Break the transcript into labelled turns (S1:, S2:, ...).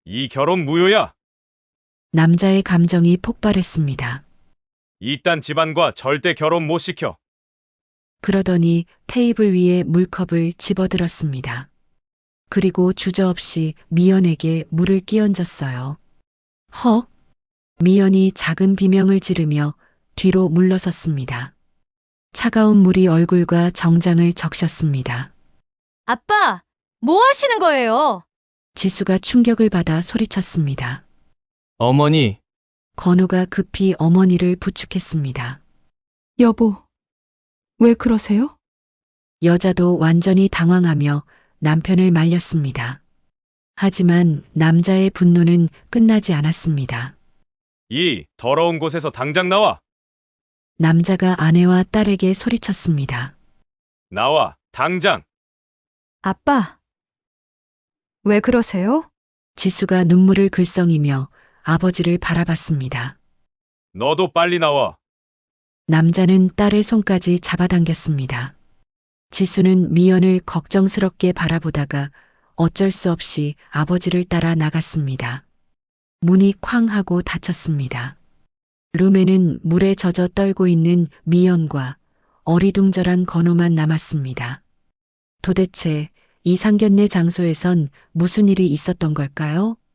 S1: 이 결혼 무효야.
S2: 남자의 감정이 폭발했습니다.
S1: 이딴 집안과 절대 결혼 못 시켜.
S2: 그러더니 테이블 위에 물컵을 집어들었습니다. 그리고 주저없이 미연에게 물을 끼얹었어요. 허! 미연이 작은 비명을 지르며 뒤로 물러섰습니다. 차가운 물이 얼굴과 정장을 적셨습니다.
S3: 아빠, 뭐 하시는 거예요?
S2: 지수가 충격을 받아 소리쳤습니다.
S4: 어머니,
S2: 건우가 급히 어머니를 부축했습니다.
S5: 여보, 왜 그러세요?
S2: 여자도 완전히 당황하며 남편을 말렸습니다. 하지만 남자의 분노는 끝나지 않았습니다.
S1: 이 더러운 곳에서 당장 나와.
S2: 남자가 아내와 딸에게 소리쳤습니다.
S1: 나와, 당장.
S3: 아빠, 왜 그러세요?
S2: 지수가 눈물을 글썽이며 아버지를 바라봤습니다.
S1: 너도 빨리 나와.
S2: 남자는 딸의 손까지 잡아당겼습니다. 지수는 미연을 걱정스럽게 바라보다가 어쩔 수 없이 아버지를 따라 나갔습니다. 문이 쾅 하고 닫혔습니다. 룸에는 물에 젖어 떨고 있는 미연과 어리둥절한 건우만 남았습니다. 도대체 이 상견례 장소에선 무슨 일이 있었던 걸까요?